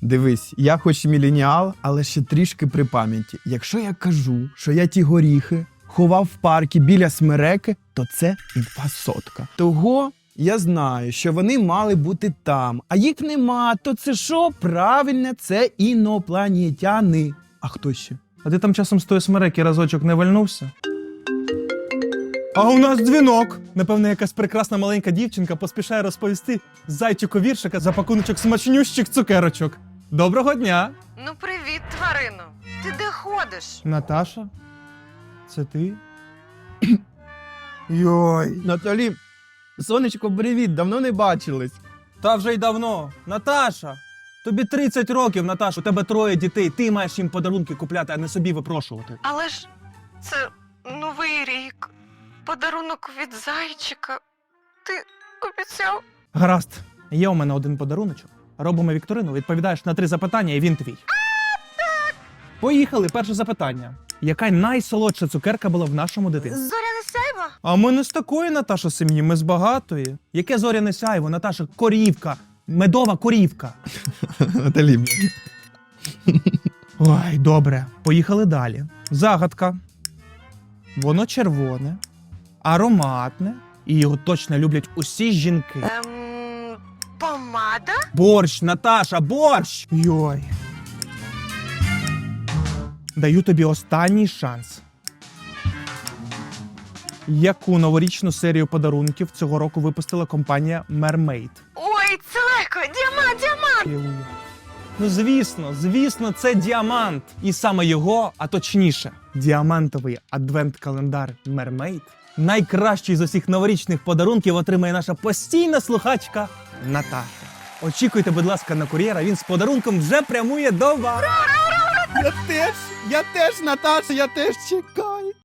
Дивись, я хоч і міленіал, але ще трішки при пам'яті. Якщо я кажу, що я ті горіхи ховав в паркі біля смереки, то це інфа сотка. Того я знаю, що вони мали бути там, а їх нема, то це що? Правильно, це інопланетяни. А хто ще? А ти там часом з тої смереки разочок не вальнувся? А у нас дзвінок! Напевно, якась прекрасна маленька дівчинка поспішає розповісти зайчику віршика за пакуночок смачнющих цукерочок. Доброго дня! Ну, привіт, тварино. Ти де ходиш? Наташа? Це ти? Йой, Наталі, сонечко, привіт, давно не бачились. Та вже й давно. Наташа! Тобі 30 років, Наташа, у тебе 3 дітей, ти маєш їм подарунки купляти, а не собі випрошувати. Але ж це Новий рік. Подарунок від зайчика. Ти обіцяв? Гаразд, є у мене один подаруночок. Робимо вікторину, відповідаєш на 3 запитання, і він твій. Поїхали, перше запитання. Яка найсолодша цукерка була в нашому дитинстві? Зоряне сяйво? А ми не з такої, Наташа, сім'ї, ми з багатої. Яке зоряне сяйво, Наташа? Корівка. Медова корівка. Наталі, блін. Ой, добре. Поїхали далі. Загадка. Воно червоне, ароматне, і його точно люблять усі жінки. Помада? Борщ, Наташа, борщ! Йой. Даю тобі останній шанс. Яку новорічну серію подарунків цього року випустила компанія Mermaid? Ой, це легко! Діамант! Ну, звісно, це діамант. І саме його, а точніше, діамантовий адвент-календар Mermaid, найкращий з усіх новорічних подарунків отримає наша постійна слухачка Наташа. Очікуйте, будь ласка, на кур'єра, він з подарунком вже прямує до вас. Я теж, Наташа, я теж чекаю.